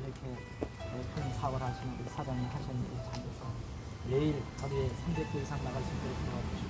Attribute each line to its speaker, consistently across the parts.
Speaker 1: 이렇게 큰 사업을 하시는 우리 사장님 하시는 일이 참 돼서 매일 하루에 300개 이상 나갈 수 있도록 도와주시고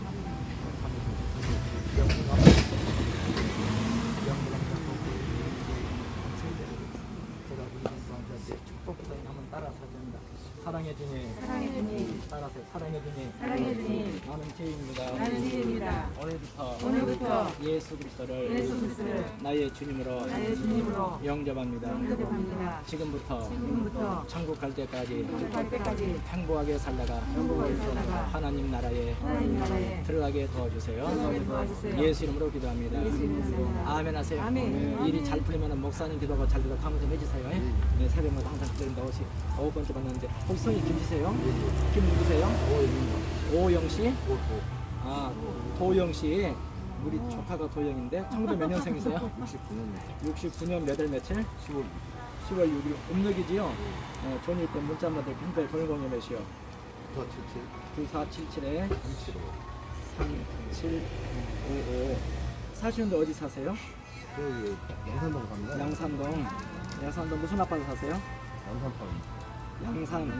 Speaker 1: 제가 우리 공부한테 축복기도에 한번 따라서 합니다. 사랑해 주님,
Speaker 2: 사랑해 주님,
Speaker 1: 따라서 사랑해 주님,
Speaker 2: 사랑해 주님,
Speaker 1: 나는 죄인입니다.
Speaker 2: 나는 죄인입니다.
Speaker 1: 오늘부터
Speaker 2: 예수
Speaker 1: 그리스도를
Speaker 2: 그리스도를
Speaker 1: 나의 주님으로
Speaker 2: 나의 주님으로
Speaker 1: 영접합니다.
Speaker 2: 영접합니다.
Speaker 1: 지금부터 천국 갈 때까지
Speaker 2: 갈 때까지
Speaker 1: 행복하게 살다가
Speaker 2: 행복하게 살다가
Speaker 1: 하나님 나라에
Speaker 2: 하나님 나라에
Speaker 1: 들어가게 도와주세요.
Speaker 2: 도와주세요.
Speaker 1: 예수 이름으로 기도합니다.
Speaker 2: 예수 이름으로 기도합니다.
Speaker 1: 아멘 하세요.
Speaker 2: 아멘.
Speaker 1: 일이 잘 풀리면 목사님 기도가 잘 되고 강의 좀 해주세요. 네, 새벽마다 항상 기도합니다. 9번째 봤는데 혹시 성이 김씨세요? 김 누구세요? 오영씨? 아, 도영씨. 우리 조카가 도영인데 1900 몇 년생이세요? 69년 몇 월 며칠? 10월 6일 음력이지요? 존일 때 문자 한번 드릴게요. 현재 돌공이 몇이요? 9477에 3755. 사시는데 어디 사세요?
Speaker 3: 양산동 갑니다.
Speaker 1: 양산동 무슨 아파트 사세요? 양산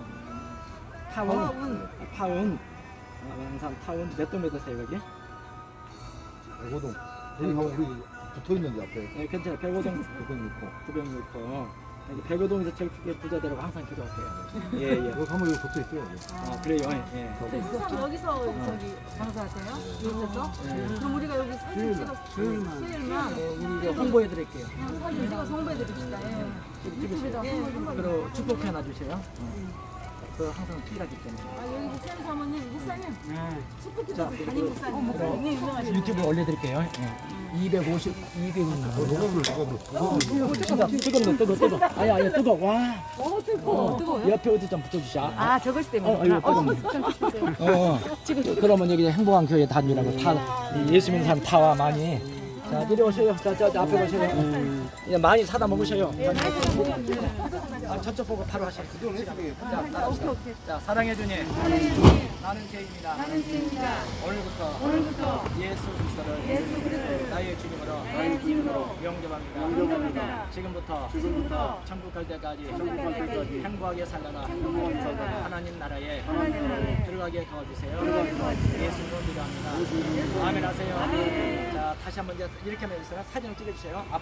Speaker 1: 타운. 양산 타운 몇 동 몇 호세요 여기?
Speaker 3: 105동. 거기하고 우리 붙어 있는데 앞에.
Speaker 1: 네, 괜찮아요. 105동 906호. 여기 105동에서 제일 크게 부자되라고 항상 기도하세요. 예.
Speaker 3: 여기 가면 여기 붙어 있어요.
Speaker 1: 아, 그래요. 예.
Speaker 2: 항상 여기서 저기 장사하세요? 여기서? 그럼 우리가 여기 사진 찍어서 수요일만
Speaker 1: 우리 이거 홍보해 드릴게요.
Speaker 2: 사진 찍어서 홍보해 드립시다. 유튜브에다
Speaker 1: 그리고 축복 하나 주세요. 그 항상 끼가기 때문에.
Speaker 2: 여기 목사님 사모님, 목사님 축복해
Speaker 1: 자,
Speaker 2: 주세요. 담임 목사님. 네, 유명하신
Speaker 1: 유튜브에 올려드릴게요. 250, 200원
Speaker 3: 누가
Speaker 1: 진짜 뜨거. 아야 뜨거. 와.
Speaker 2: 뜨거워요?
Speaker 1: 옆에 어디 좀 붙여주자.
Speaker 2: 저것 때문에.
Speaker 1: 이거 뜨거워. 그러면 여기 행복한 교회 다니라고 다 예수 믿는 사람 다와 많이. 자, 이리 오세요. 자, 앞에 오세요. 예, 많이 사다 먹으셔요. 저쪽 보고 바로 하셔요. 자, 따라합시다. 자, 사랑해 주님. 나는 죄인입니다. 오늘부터 예수 그리스도를 나의 주님으로 영접합니다. 지금부터 천국 갈 때까지 행복하게 살다가 하나님 나라에 들어가게 도와주세요. 예수님으로 기도합니다. 아멘 하세요. 자, 다시 한번 이제 이렇게 하면 사진을 찍어주세요.